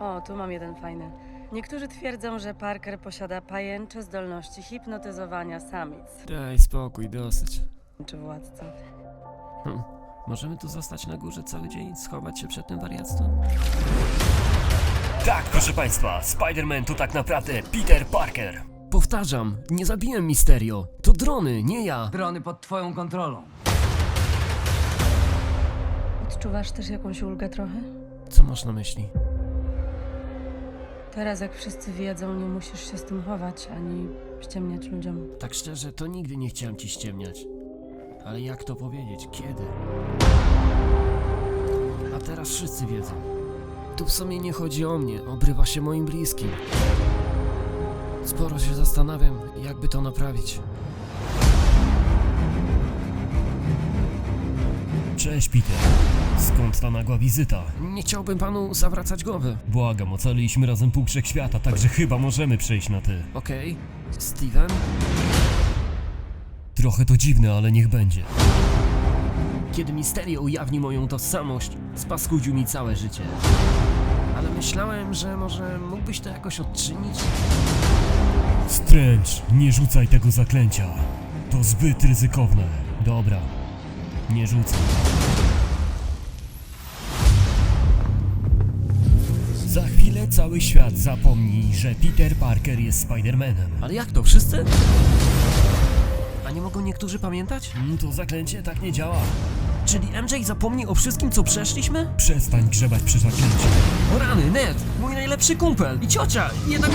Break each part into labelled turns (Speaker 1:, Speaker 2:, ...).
Speaker 1: O, tu mam jeden fajny. Niektórzy twierdzą, że Parker posiada pajęcze zdolności hipnotyzowania samic.
Speaker 2: Daj spokój, dosyć.
Speaker 1: Czy władca?
Speaker 2: Możemy tu zostać na górze cały dzień, schować się przed tym wariactwem?
Speaker 3: Tak, proszę państwa, Spider-Man to tak naprawdę Peter Parker.
Speaker 2: Powtarzam, nie zabiłem Mysterio. To drony, nie ja.
Speaker 4: Drony pod twoją kontrolą.
Speaker 1: Odczuwasz też jakąś ulgę trochę?
Speaker 2: Co masz na myśli?
Speaker 1: Teraz, jak wszyscy wiedzą, nie musisz się z tym chować, ani ściemniać ludziom.
Speaker 2: Tak szczerze, to nigdy nie chciałem ci ściemniać. Ale jak to powiedzieć? Kiedy? A teraz wszyscy wiedzą. Tu w sumie nie chodzi o mnie, obrywa się moim bliskim. Sporo się zastanawiam, jakby to naprawić.
Speaker 3: Cześć, Peter. Skąd ta nagła wizyta?
Speaker 2: Nie chciałbym panu zawracać głowy.
Speaker 3: Błagam, ocaliliśmy razem pół wszechświata, także chyba możemy przejść na ty.
Speaker 2: Okej. Steven?
Speaker 3: Trochę to dziwne, ale niech będzie.
Speaker 2: Kiedy Mysterio ujawni moją tożsamość, spaskudził mi całe życie. Ale myślałem, że może mógłbyś to jakoś odczynić?
Speaker 3: Strange, nie rzucaj tego zaklęcia. To zbyt ryzykowne. Dobra, nie rzucaj. Za chwilę cały świat zapomni, że Peter Parker jest Spider-Manem.
Speaker 2: Ale jak to, wszyscy? A nie mogą niektórzy pamiętać?
Speaker 3: To zaklęcie tak nie działa.
Speaker 2: Czyli MJ zapomni o wszystkim, co przeszliśmy?
Speaker 3: Przestań grzebać przy zaklęciu.
Speaker 2: O rany, Ned, mój najlepszy kumpel i ciocia, jednak...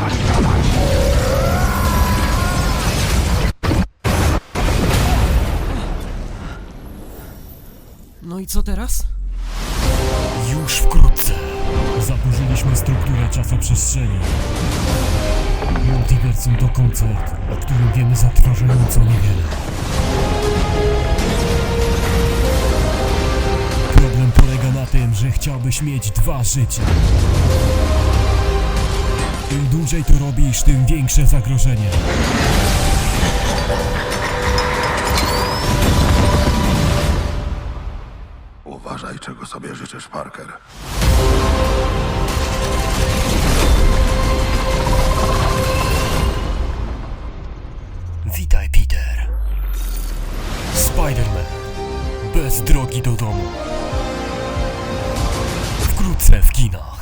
Speaker 2: No i co teraz?
Speaker 3: Już wkrótce. Zaburzyliśmy strukturę czasoprzestrzeni. Multiversum to koncert, o którym wiemy zatrważająco niewiele. Problem polega na tym, że chciałbyś mieć 2 życia. Im dłużej to robisz, tym większe zagrożenie.
Speaker 5: Uważaj, czego sobie życzysz, Parker.
Speaker 3: Witaj, Peter. Spider-Man. Bez drogi do domu. Wkrótce w kinach.